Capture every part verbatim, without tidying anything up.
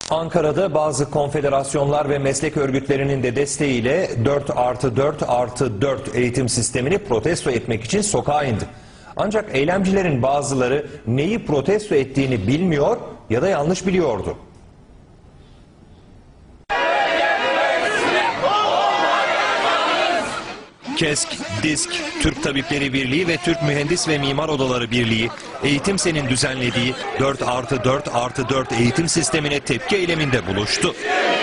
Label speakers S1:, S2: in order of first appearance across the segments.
S1: Ankara'da bazı konfederasyonlar ve meslek örgütlerinin de desteğiyle dört artı dört artı dört eğitim sistemini protesto etmek için sokağa indi. Ancak eylemcilerin bazıları neyi protesto ettiğini bilmiyor ya da yanlış biliyordu. KESK, DİSK, Türk Tabipleri Birliği ve Türk Mühendis ve Mimar Odaları Birliği, Eğitimsen'in düzenlediği dört artı dört artı dört eğitim sistemine tepki eyleminde buluştu.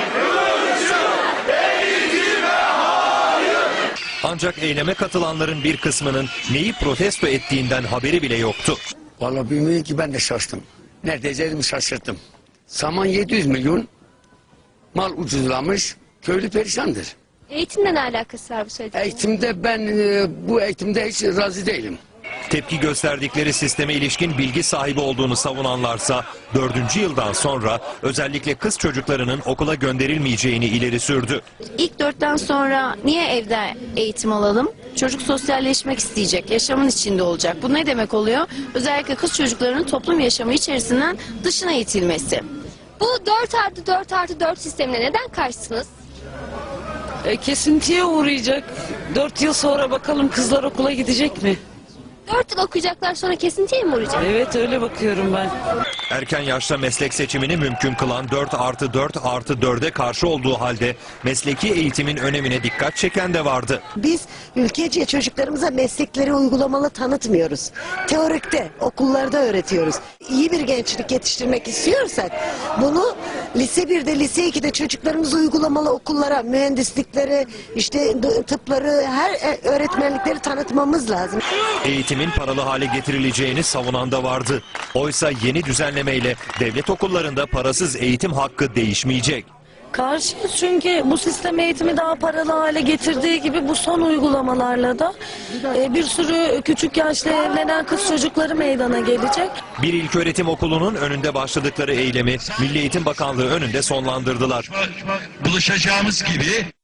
S1: Ancak eyleme katılanların bir kısmının neyi protesto ettiğinden haberi bile yoktu.
S2: Vallahi bilmiyorum ki, ben de şaştım. Neredeyse dedim şaşırttım. Saman yedi yüz milyon, mal ucuzlamış, köylü perişandır.
S3: Eğitimle ne alakası var bu söylediğiniz?
S2: Eğitimde ben e, bu eğitimde hiç razı değilim.
S1: Tepki gösterdikleri sisteme ilişkin bilgi sahibi olduğunu savunanlarsa dördüncü yıldan sonra özellikle kız çocuklarının okula gönderilmeyeceğini ileri sürdü.
S4: İlk dörtten sonra niye evde eğitim alalım? Çocuk sosyalleşmek isteyecek, yaşamın içinde olacak. Bu ne demek oluyor? Özellikle kız çocuklarının toplum yaşamı içerisinden dışına itilmesi.
S3: Bu dört artı dört artı dört sistemine neden karşısınız?
S5: E, kesintiye uğrayacak. Dört yıl sonra bakalım kızlar okula gidecek mi?
S3: dört yıl okuyacaklar, sonra kesintiye mi uğrayacak?
S5: Evet, öyle bakıyorum ben.
S1: Erken yaşta meslek seçimini mümkün kılan dört artı dört artı dörde karşı olduğu halde mesleki eğitimin önemine dikkat çeken de vardı.
S6: Biz ülkece çocuklarımıza meslekleri uygulamalı tanıtmıyoruz. Teorikte, okullarda öğretiyoruz. İyi bir gençlik yetiştirmek istiyorsak bunu lise birde, lise ikide çocuklarımızı uygulamalı okullara, mühendislikleri, işte tıpları, her öğretmenlikleri tanıtmamız lazım.
S1: Eğitimin paralı hale getirileceğini savunan da vardı. Oysa yeni düzenlemeyle devlet okullarında parasız eğitim hakkı değişmeyecek.
S5: Karşıyız, çünkü bu sistem eğitimi daha paralı hale getirdiği gibi bu son uygulamalarla da e, bir sürü küçük yaşta evlenen kız çocukları meydana gelecek.
S1: Bir ilköğretim okulunun önünde başladıkları eylemi Milli Eğitim Bakanlığı önünde sonlandırdılar.
S7: Buluşacağımız gibi